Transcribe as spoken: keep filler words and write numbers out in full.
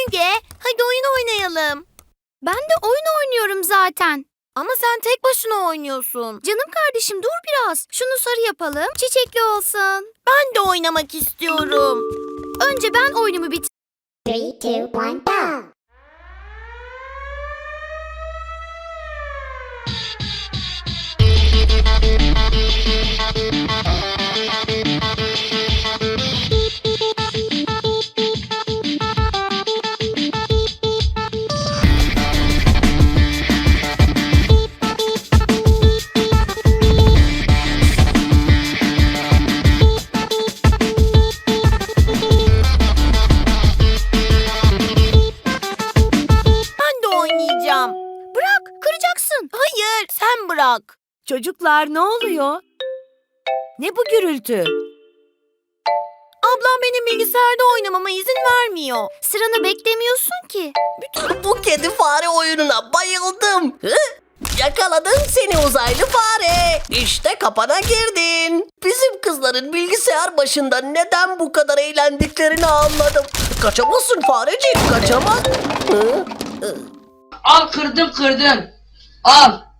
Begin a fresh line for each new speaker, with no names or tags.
Bilge, hadi oyun oynayalım.
Ben de oyun oynuyorum zaten.
Ama sen tek başına oynuyorsun.
Canım kardeşim dur biraz. Şunu sarı yapalım, çiçekli olsun.
Ben de oynamak istiyorum.
Önce ben oyunumu bitir.
Three, two, one, go!
Ben de oynayacağım.
Bırak, kıracaksın.
Hayır, sen bırak.
Çocuklar ne oluyor? Ne bu gürültü?
Ablam benim bilgisayarda oynamama izin vermiyor.
Sıranı beklemiyorsun ki.
Bu kedi fare oyununa bayıldım. Hı? Yakaladım seni uzaylı fare. İşte kapana girdin. Bizim kızların bilgisayar başında neden bu kadar eğlendiklerini anladım. Kaçamazsın farecik, kaçamaz. Hı?
Al kırdım kırdım. Al.